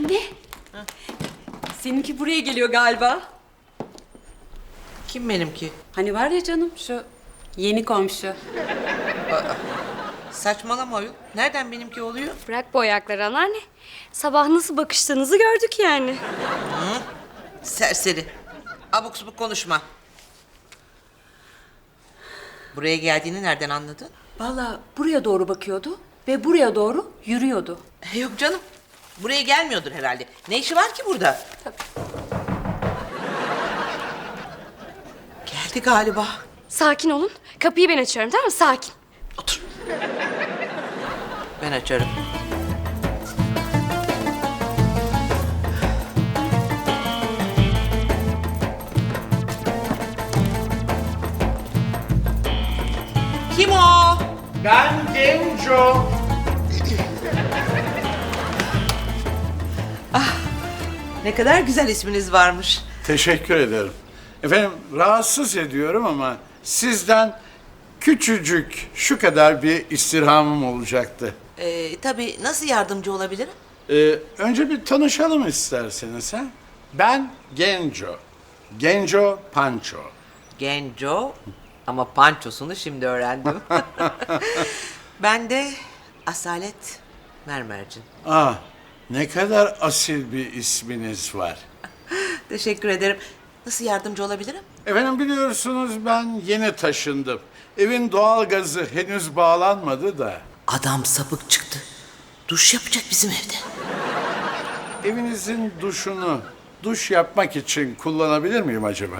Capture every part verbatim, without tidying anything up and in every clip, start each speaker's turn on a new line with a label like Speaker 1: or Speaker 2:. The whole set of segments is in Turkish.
Speaker 1: Anne. Seninki buraya geliyor galiba.
Speaker 2: Kim benimki?
Speaker 1: Hani var ya canım şu yeni komşu.
Speaker 2: Saçmalama ayol. Nereden benimki oluyor?
Speaker 3: Bırak bu ayakları anneanne. Sabah nasıl bakıştığınızı gördük yani.
Speaker 2: Serseri. Abuk subuk konuşma. Buraya geldiğini nereden anladın?
Speaker 1: Vallahi buraya doğru bakıyordu ve buraya doğru yürüyordu.
Speaker 2: E, Yok canım. Buraya gelmiyordur herhalde. Ne işi var ki burada? Geldi galiba.
Speaker 3: Sakin olun. Kapıyı ben açıyorum, tamam mı? Sakin.
Speaker 2: Otur. Ben açarım. Kim o?
Speaker 4: Ben Genco.
Speaker 2: Ne kadar güzel isminiz varmış.
Speaker 4: Teşekkür ederim. Efendim rahatsız ediyorum ama sizden küçücük şu kadar bir istirhamım olacaktı.
Speaker 2: Ee, tabii nasıl yardımcı olabilirim?
Speaker 4: Ee, önce bir tanışalım isterseniz ha. Ben Genco. Genco Panço.
Speaker 2: Genco ama pançosunu şimdi öğrendim. Ben de Asalet Mermercin.
Speaker 4: Ah, ne kadar asil bir isminiz var.
Speaker 2: Teşekkür ederim. Nasıl yardımcı olabilirim?
Speaker 4: Efendim biliyorsunuz ben yeni taşındım. Evin doğalgazı henüz bağlanmadı da.
Speaker 2: Adam sapık çıktı. Duş yapacak bizim evde.
Speaker 4: Evinizin duşunu duş yapmak için kullanabilir miyim acaba?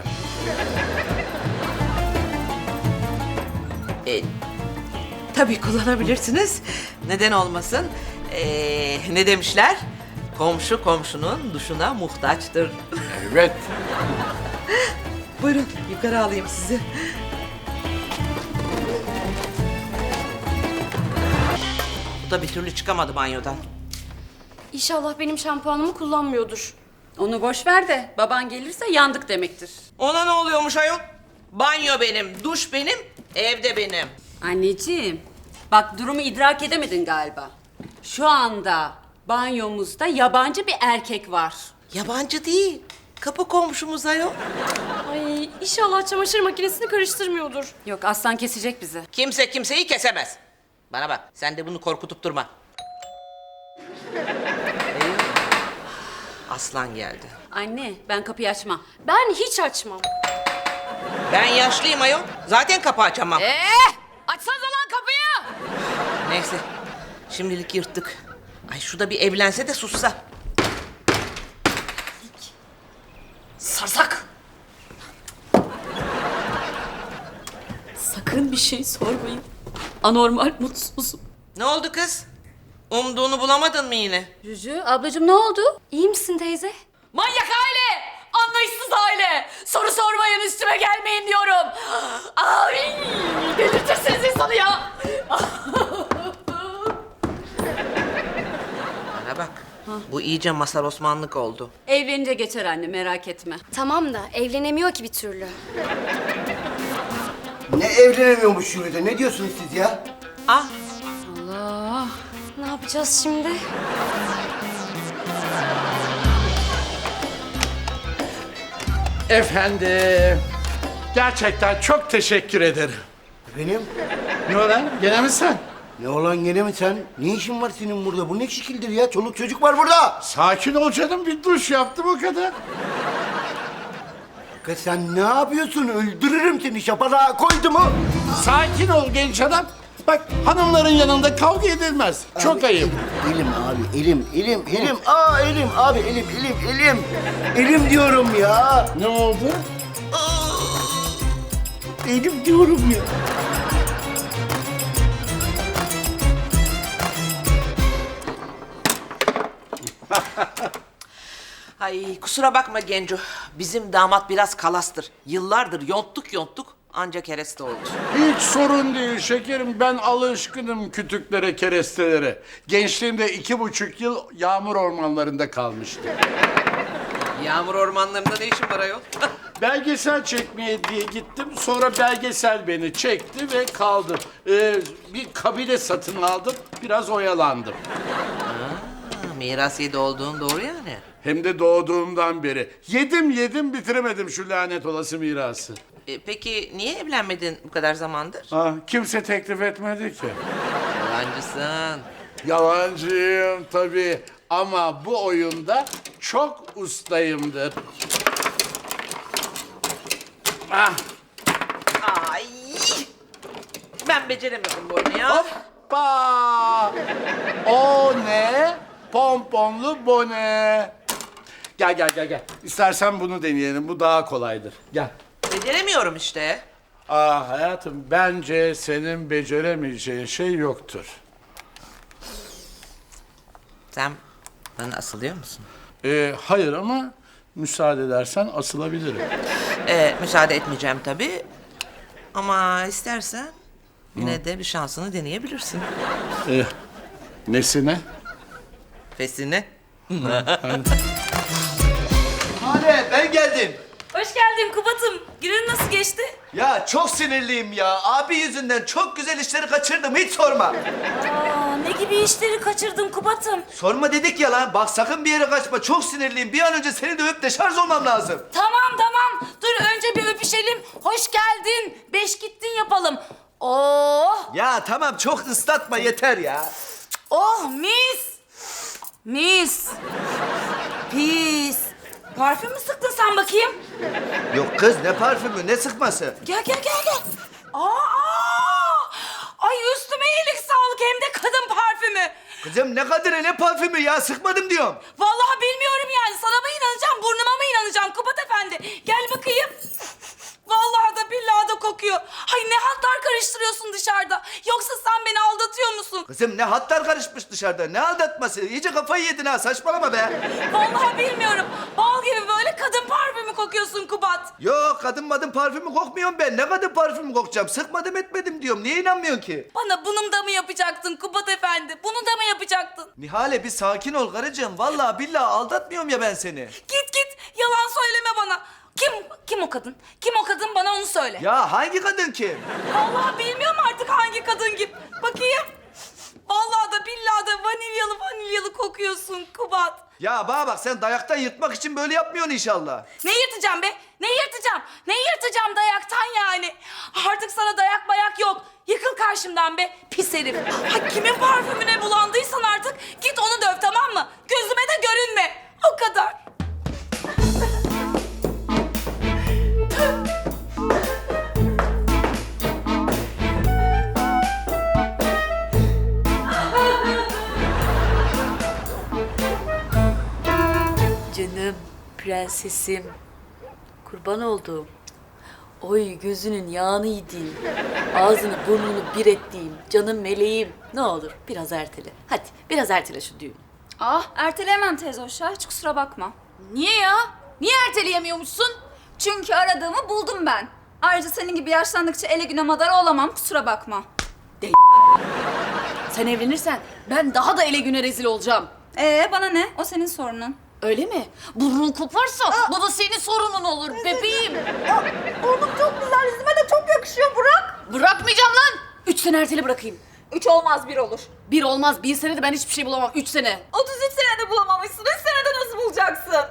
Speaker 2: E, tabii kullanabilirsiniz. Neden olmasın? Ee, ne demişler? Komşu komşunun duşuna muhtaçtır.
Speaker 4: Evet.
Speaker 2: Buyurun yukarı alayım sizi. Bu da bir türlü çıkamadı banyodan.
Speaker 3: İnşallah benim şampuanımı kullanmıyordur.
Speaker 1: Onu boş ver de baban gelirse yandık demektir.
Speaker 2: Ona ne oluyormuş ayol? Banyo benim, duş benim, evde benim.
Speaker 1: Anneciğim bak durumu idrak edemedin galiba. Şu anda banyomuzda yabancı bir erkek var.
Speaker 2: Yabancı değil. Kapı komşumuz ayol.
Speaker 3: Ay inşallah çamaşır makinesini karıştırmıyordur.
Speaker 1: Yok aslan kesecek bizi.
Speaker 2: Kimse kimseyi kesemez. Bana bak, sen de bunu korkutup durma. Eyvah. Aslan geldi.
Speaker 1: Anne ben kapıyı açmam.
Speaker 3: Ben hiç açmam.
Speaker 2: Ben yaşlıyım ayol. Zaten kapı açamam.
Speaker 3: Ee, açsanıza lan kapıyı.
Speaker 2: Neyse, şimdilik yırttık. Ay şu da bir evlense de sussa.
Speaker 1: Sarsak. Sakın bir şey sormayın. Anormal mutsuzum.
Speaker 2: Ne oldu kız? Umduğunu bulamadın mı yine?
Speaker 1: Cücü ablacığım ne oldu?
Speaker 3: İyi misin teyze?
Speaker 1: Manyak aile! Anlayışsız aile! Soru sormayın üstüme gelmeyin diyorum. Ay! Delirtirsiniz insanı ya!
Speaker 2: Bana bak. Bu iyice Masar Osmanlık oldu.
Speaker 1: Evlenince geçer anne merak etme.
Speaker 3: Tamam da evlenemiyor ki bir türlü.
Speaker 5: Ne evlenemiyormuş şurada? Ne diyorsunuz siz ya?
Speaker 2: Ah,
Speaker 1: Allah!
Speaker 3: Ne yapacağız şimdi?
Speaker 4: Efendim, gerçekten çok teşekkür ederim.
Speaker 5: Benim?
Speaker 4: Ne olan? Gene mi sen?
Speaker 5: Ne olan gene mi sen? Ne işin var senin burada? Bu ne şekildir ya? Çoluk çocuk var burada.
Speaker 4: Sakin ol canım, bir duş yaptım o kadar.
Speaker 5: Kız sen ne yapıyorsun? Öldürürüm seni. Şapalağa koydu mu?
Speaker 4: Sakin ol genç adam. Bak hanımların yanında kavga edilmez. Çok
Speaker 5: Abi,
Speaker 4: ayıp.
Speaker 5: Elim, elim abi, elim, elim, elim. Aa elim abi, elim, elim, elim. Elim diyorum ya.
Speaker 4: Ne oldu?
Speaker 5: Elim diyorum ya.
Speaker 2: ay kusura bakma Genco. Bizim damat biraz kalastır. Yıllardır yonttuk yonttuk ancak kereste oldu.
Speaker 4: Hiç sorun değil şekerim. Ben alışkınım kütüklere, kerestelere. Gençliğimde iki buçuk yıl yağmur ormanlarında kalmıştım.
Speaker 2: Yağmur ormanlarında ne işin var ayol?
Speaker 4: Belgesel çekmeye diye gittim. Sonra belgesel beni çekti ve kaldım. Ee, bir kabile satın aldım. Biraz oyalandım.
Speaker 2: Ha, miras yedi olduğun doğru yani.
Speaker 4: Hem de doğduğumdan beri. Yedim yedim bitiremedim şu lanet olası mirası.
Speaker 2: E, peki niye evlenmedin bu kadar zamandır?
Speaker 4: Ah, kimse teklif etmedi ki.
Speaker 2: Yalancısın.
Speaker 4: Yalancıyım tabii ama bu oyunda çok ustayımdır. Ah,
Speaker 2: Ay! Ben beceremiyorum bu oyunu ya.
Speaker 4: hoppa! O ne? Pomponlu bone. Gel gel gel gel. İstersen bunu deneyelim. Bu daha kolaydır. Gel.
Speaker 2: Beceremiyorum işte.
Speaker 4: Aa hayatım bence senin beceremeyeceğin şey yoktur.
Speaker 2: Sen bana asılıyor musun?
Speaker 4: Ee, hayır ama müsaade edersen asılabilirim.
Speaker 2: Ee, müsaade etmeyeceğim tabii. Ama istersen yine de bir şansını deneyebilirsin.
Speaker 4: Ee, nesine?
Speaker 2: Fesine.
Speaker 5: Hadi ben geldim.
Speaker 3: Hoş geldin Kubat'ım. Günün nasıl geçti?
Speaker 5: Ya çok sinirliyim ya. Abi yüzünden çok güzel işleri kaçırdım. Hiç sorma.
Speaker 3: Aa, ne gibi işleri kaçırdın Kubat'ım?
Speaker 5: Sorma dedik ya lan. Bak sakın bir yere kaçma. Çok sinirliyim. Bir an önce seni dövüp deşarj olmam lazım.
Speaker 1: Tamam tamam. Dur önce bir öpüşelim. Hoş geldin. Beş gittin yapalım. Oh.
Speaker 5: Ya tamam çok ıslatma yeter ya.
Speaker 1: Oh mis. Mis. Pis. Parfüm mü sıktın sen bakayım?
Speaker 5: Yok kız ne parfümü ne sıkması.
Speaker 1: Gel gel gel gel. Aa! Ay üstüme iyilik sağlık hem de kadın parfümü.
Speaker 5: Kızım ne kadar ne parfümü ya sıkmadım diyorum.
Speaker 1: Vallahi bilmiyorum yani. Sana mı inanacağım, burnuma mı inanacağım Kubat Efendi? Gel bakayım. Vallahi da billahi da kokuyor. Hay ne hatlar karıştırıyorsun dışarıda. Yoksa sen beni aldatıyor musun?
Speaker 5: Kızım ne hatlar karışmış dışarıda ne aldatması. İyice kafayı yedin ha saçmalama be.
Speaker 1: Vallahi bilmiyorum. Bal gibi böyle kadın parfümü kokuyorsun Kubat.
Speaker 5: Yok kadın madın parfümü kokmuyorum ben. Ne kadın parfümü kokacağım? Sıkmadım etmedim diyorum. Niye inanmıyorsun ki?
Speaker 1: Bana bunun da mı yapacaktın Kubat Efendi? Bunu da mı yapacaktın?
Speaker 5: Nihale bir sakin ol karıcığım. Vallahi billahi aldatmıyorum ya ben seni.
Speaker 1: Git git. Yalan söyleme bana. Kim kim o kadın? Kim o kadın? Bana onu söyle.
Speaker 5: Ya hangi kadın kim?
Speaker 1: Vallahi bilmiyorum artık hangi kadın gibi. Bakayım. Vallahi da billahi da vanilyalı vanilyalı kokuyorsun Kubat.
Speaker 5: Ya bana bak sen dayaktan yırtmak için böyle yapmıyorsun inşallah.
Speaker 1: Ne yırtacağım be? Ne yırtacağım? Ne yırtacağım dayaktan yani? Artık sana dayak bayak yok. Yıkıl karşımdan be pis herif. Ha, kimin parfümüne bulandıysan artık git onu döv tamam mı? Gözüme de görünme. O kadar.
Speaker 6: Canım, prensesim, kurban olduğum. Oy gözünün yağını yediğim, ağzını burnunu bir ettiğim, canım meleğim. Ne olur biraz ertele. Hadi biraz ertele şu düğünü.
Speaker 3: Ah erteleyemem teyze hoş ya. Hiç kusura bakma.
Speaker 1: Niye ya? Niye erteleyemiyormuşsun?
Speaker 3: Çünkü aradığımı buldum ben. Ayrıca senin gibi yaşlandıkça ele güne madara olamam. Kusura bakma.
Speaker 6: Sen evlenirsen ben daha da ele güne rezil olacağım.
Speaker 3: Ee bana ne? O senin sorunun.
Speaker 6: Öyle mi? Burnun koparsa bu da senin sorunun olur bebeğim.
Speaker 3: Burnum çok güzel. Yüzüme de çok yakışıyor Burak.
Speaker 6: Bırakmayacağım lan. Üç sene ertele bırakayım.
Speaker 3: Üç olmaz bir olur.
Speaker 6: Bir olmaz, bir senede ben hiçbir şey bulamam. Üç sene.
Speaker 3: otuz üç senede bulamamışsın. Üç senede nasıl bulacaksın?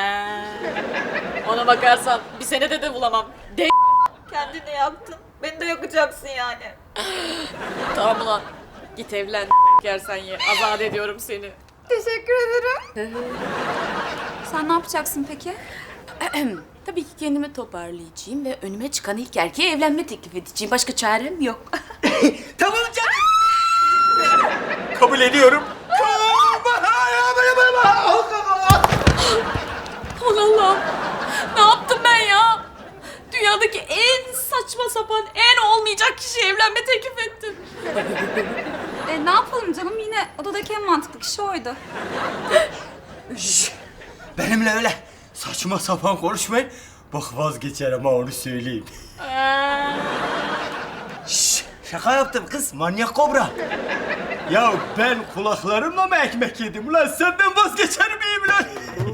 Speaker 6: Ona bakarsan bir senede de bulamam. De
Speaker 3: Kendini yaktın. Beni de yakacaksın yani.
Speaker 6: tamam ulan. Git evlen yersen ye. Azat ediyorum seni.
Speaker 3: Teşekkür ederim. Sen ne yapacaksın peki?
Speaker 6: Tabii ki kendimi toparlayacağım ve önüme çıkan ilk erkeğe evlenme teklif edeceğim. Başka çarem yok.
Speaker 5: Tamam canım. Kabul ediyorum.
Speaker 6: Aman Allah'ım. Ne yaptım ben ya? Dünyadaki en saçma sapan, en olmayacak kişiye evlenme teklif ettim.
Speaker 3: E, ne yapalım canım? Yine odadaki en mantıklı kişi oydu.
Speaker 7: Benimle öyle saçma sapan konuşmayın. Bak vazgeçerim ha onu söyleyeyim. Şş, şaka yaptım kız manyak kobra. Ya ben kulaklarımla mı ekmek yedim ulan senden vazgeçer miyim lan?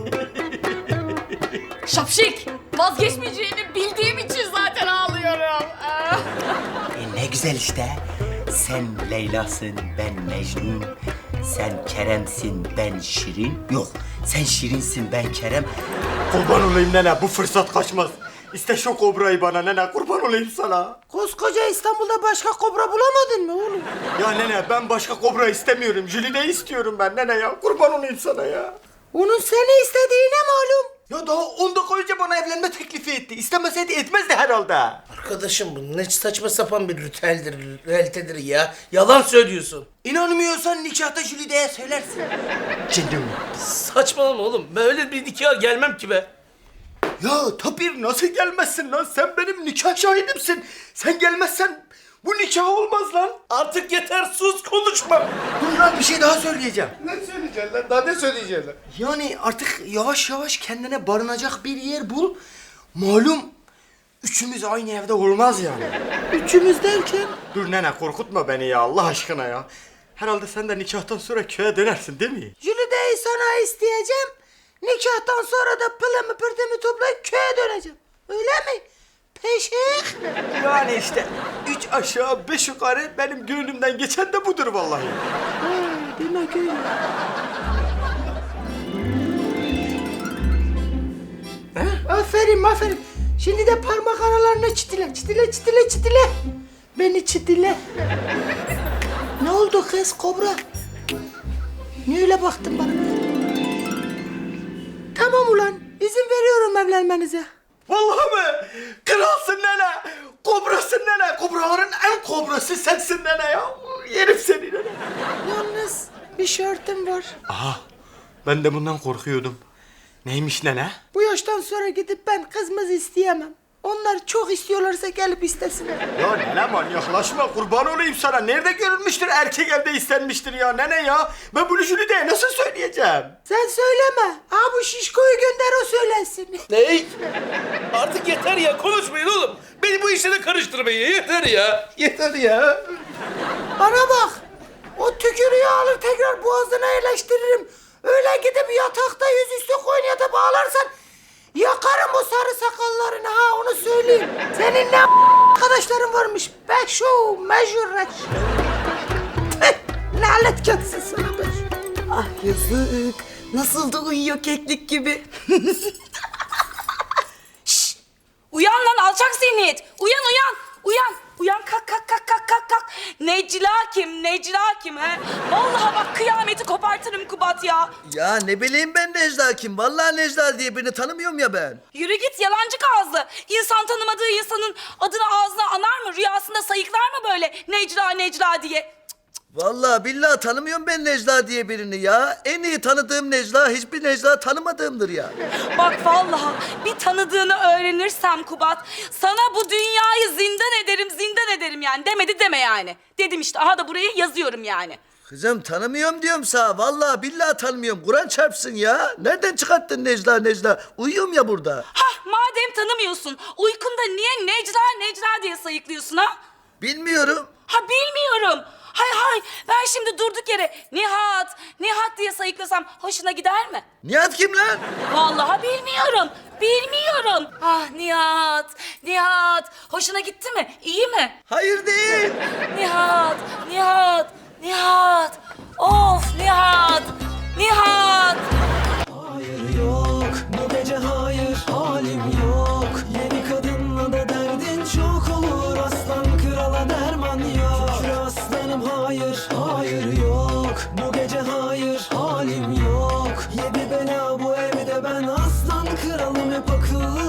Speaker 6: Şapşik. Vazgeçmeyeceğini bildiğim için zaten ağlıyorum.
Speaker 7: E, ne güzel işte. Sen Leyla'sın, ben Mecnun. Sen Kerem'sin, ben Şirin. Yok, sen Şirin'sin, ben Kerem. Kurban olayım nene, bu fırsat kaçmaz. İste şu kobrayı bana nene, kurban olayım sana.
Speaker 2: Koskoca İstanbul'da başka kobra bulamadın mı oğlum?
Speaker 7: Ya nene, ben başka kobra istemiyorum. Jülide'yi istiyorum ben nene ya. Kurban olayım sana ya.
Speaker 2: Onun seni istediğine malum.
Speaker 7: Ya daha on dakika önce bana evlenme teklifi etti. İstemeseydi etmezdi herhalde.
Speaker 2: Arkadaşım bu ne saçma sapan bir ritüeldir, realitedir ya. Yalan söylüyorsun.
Speaker 7: İnanmıyorsan nikahta Jülide'ye söylersin. Canım.
Speaker 2: Saçmalama oğlum. Ben öyle bir nikaha gelmem ki be.
Speaker 7: Ya tabii nasıl gelmezsin lan? Sen benim nikah şahidimsin. Sen gelmezsen bu nikah olmaz lan.
Speaker 2: Artık yeter, sus, konuşma.
Speaker 7: Dur lan, bir şey daha söyleyeceğim.
Speaker 4: Ne söyleyeceksin lan? Daha ne söyleyeceksin lan?
Speaker 7: Yani artık yavaş yavaş kendine barınacak bir yer bul. Malum üçümüz aynı evde olmaz yani.
Speaker 2: Üçümüz derken?
Speaker 7: Dur nene, korkutma beni ya Allah aşkına ya. Herhalde sen de nikahtan sonra köye dönersin değil mi?
Speaker 2: Jülide'yi sana isteyeceğim. Nikahtan sonra da pılımı pırtımı toplayıp köye döneceğim. Öyle mi? Peşik.
Speaker 7: Yani işte üç aşağı beş yukarı benim gönlümden geçen de budur vallahi.
Speaker 2: Demek öyle. Aferin aferin. Şimdi de parmak aralarına çitile, çitile, çitile, çitile. Beni çitile. Ne oldu kız kobra? Niye öyle baktın bana? Tamam ulan, izin veriyorum evlenmenize.
Speaker 7: Vallahi mi? Kralsın nene. Kobrasın nene. Kobraların en kobrası sensin nene ya. Yerim seni nene.
Speaker 2: Yalnız bir şartım var.
Speaker 7: Aha, ben de bundan korkuyordum. Neymiş nene?
Speaker 2: Bu yaştan sonra gidip ben kızımızı isteyemem. Onlar çok istiyorlarsa gelip istesinler.
Speaker 7: Ya nene manyaklaşma, kurban olayım sana. Nerede görülmüştür erkek evde istenmiştir ya nene ya. Ben bunu Jülide'ye nasıl söyleyeceğim?
Speaker 2: Sen söyleme. Ha bu şişkoyu gönder o söylesin.
Speaker 8: Ney? Artık yeter ya, konuşmayın oğlum. Beni bu işlere karıştırmayın, yeter ya. Yeter ya.
Speaker 2: Bana bak. O tükürüğü alır tekrar boğazına yerleştiririm. Öyle gidip yatakta yüzüstü koyniyata bağlarsan yakarım o sarı sakallarını, ha onu söyleyeyim. Senin ne arkadaşların varmış. Beşo, mecurreş. Lanet gelsin sana beş.
Speaker 9: Ah yazık. Nasıl da uyuyor keklik gibi.
Speaker 1: Şşş! Uyan lan alçak zihniyet. Uyan uyan. Uyan. Uyan kalk kalk kalk kalk kalk kalk. Necla kim? Necla kim he? Vallahi bak kıyameti kopartırım Kubat ya.
Speaker 5: Ya ne bileyim ben Necla kim? Vallahi Necla diye birini tanımıyorum ya ben.
Speaker 1: Yürü git yalancı ağızlı. İnsan tanımadığı insanın adını ağzına anar mı? Rüyasında sayıklar mı böyle Necla Necla diye?
Speaker 5: Vallahi billahi tanımıyorum ben Necla diye birini ya. En iyi tanıdığım Necla hiçbir Necla tanımadığımdır ya.
Speaker 1: Bak vallahi bir tanıdığını öğrenirsem Kubat, sana bu dünyayı zindan ederim, zindan ederim yani. Demedi deme yani. Dedim işte, aha da buraya yazıyorum yani.
Speaker 5: Kızım tanımıyorum diyorum sana. Vallahi billahi tanımıyorum. Kur'an çarpsın ya. Nereden çıkarttın Necla Necla? Uyuyorum ya burada.
Speaker 1: Hah madem tanımıyorsun, uykunda niye Necla Necla diye sayıklıyorsun ha?
Speaker 5: Bilmiyorum.
Speaker 1: Ha bilmiyorum. Hay hay ben şimdi durduk yere Nihat, Nihat diye sayıklasam hoşuna gider mi?
Speaker 5: Nihat kim lan?
Speaker 1: Vallahi bilmiyorum. Bilmiyorum. Ah Nihat, Nihat. Hoşuna gitti mi? İyi mi?
Speaker 5: Hayır değil.
Speaker 1: Nihat, Nihat, Nihat. Of Nihat, Nihat.
Speaker 10: Hayır yok bu gece, hayır halim yok. Yeni kadınla da derdin çok olur, aslan krala derman yok. Şükür aslanım, hayır hayır yok bu gece, hayır halim yok. Yedi bela bu evde, ben aslan kralım, hep akıllı